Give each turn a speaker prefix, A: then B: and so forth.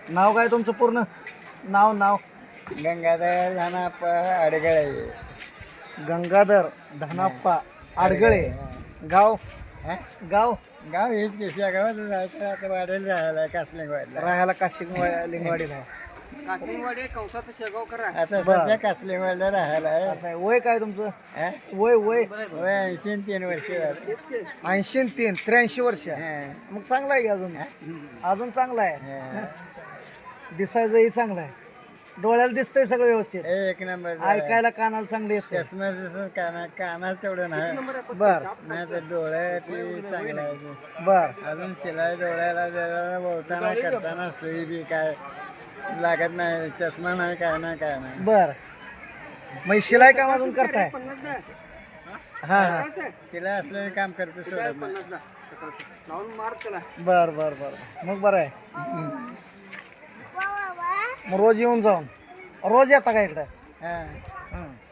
A: नाव काय तुमचं पूर्ण नाव
B: गंगाधर धानाप्पा अडगळे.
A: गंगाधर धनाप्पा आडगळे. गाव
B: हा?
A: गाव
B: गाव हेच केसिया गावात जायचं आता वाढेल राहायला कासलिंगवाडला.
A: राहायला लिंगवाडीला आहे.
B: आता सध्या कासलिंगवाडला राहायला आहे.
A: असं आहे. वय काय तुमचं?
B: हा?
A: वय वय
B: वय 83 वर्ष झाली.
A: 83 83 वर्ष.
B: हा.
A: मग चांगला आहे की अजून अजून चांगला आहे.
B: हा.
A: दिसायचंही चांगलं आहे. डोळ्याला दिसतंय सगळं व्यवस्थित.
B: एक नंबर.
A: ऐकायला कानाला चांगले येते.
B: चष्मा जसं कानात तेवढं नाही.
A: बर
B: नाही तर डोळ्या ते चांगलं आहे ते.
A: बर
B: अजून शिलाई डोळ्याला जरा बोलताना करताना सुई बी काय लागत नाही. चष्मा नाही काय नाही.
A: बर मग शिलाई काम अजून करताय? हा हा
B: तिला असलं काम करतो सोडत नाही.
A: बर बर बर मग बरं आहे. मग रोज येऊन जाऊन रोज येता का इकडं?
B: हा.
A: हं.